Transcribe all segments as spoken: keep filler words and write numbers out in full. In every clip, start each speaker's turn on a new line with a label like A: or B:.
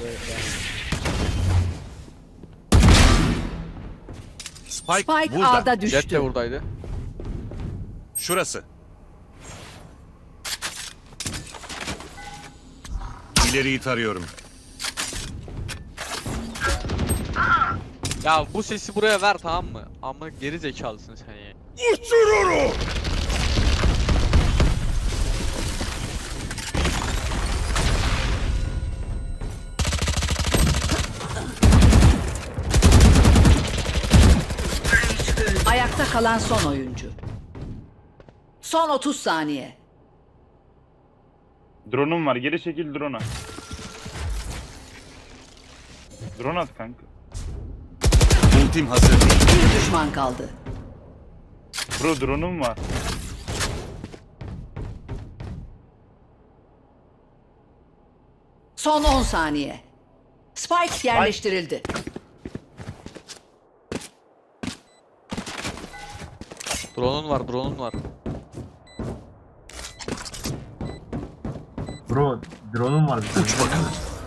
A: Spike,
B: Spike
A: burada.
B: A'da
C: Jet de
B: düştü.
C: buradaydı.
A: Şurası. İleriyi tarıyorum.
C: Ya bu sesi buraya ver, tamam mı? Ama geri zekalısın sen ya.
A: Uçururu.
B: Ayakta kalan son oyuncu. Son otuz saniye.
D: Drone'um var. Geri çekil drone'a. Drone at kanka.
A: Ultim hazır.
B: Bir düşman kaldı.
D: Bro drone'um var.
B: Son on saniye. Spike yerleştirildi.
C: Drone'un var, drone'un var.
E: Bro, drone'um var bir tane.
A: Uç bakalım.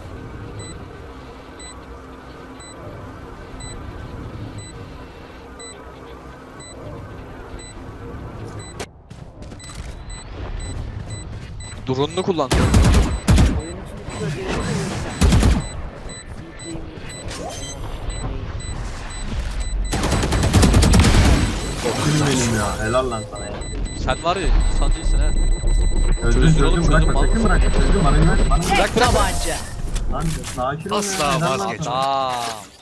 C: Drone'unu kullan.
E: Okuyun benim ya. Helal lan sana ya.
C: Sen var ya, insan değilsin ha.
E: Çözdüm
C: Çözdür oğlum,
E: çözdüm bırakma.
C: çözdüm,
E: Sakın
C: mal
E: bırakma. Çözdüm bana güven. Bana
B: Tek tabanca.
E: Lan sakin ol ya.
A: Asla
E: helal lan
A: vazgeçme.
E: sana.
C: Tamam.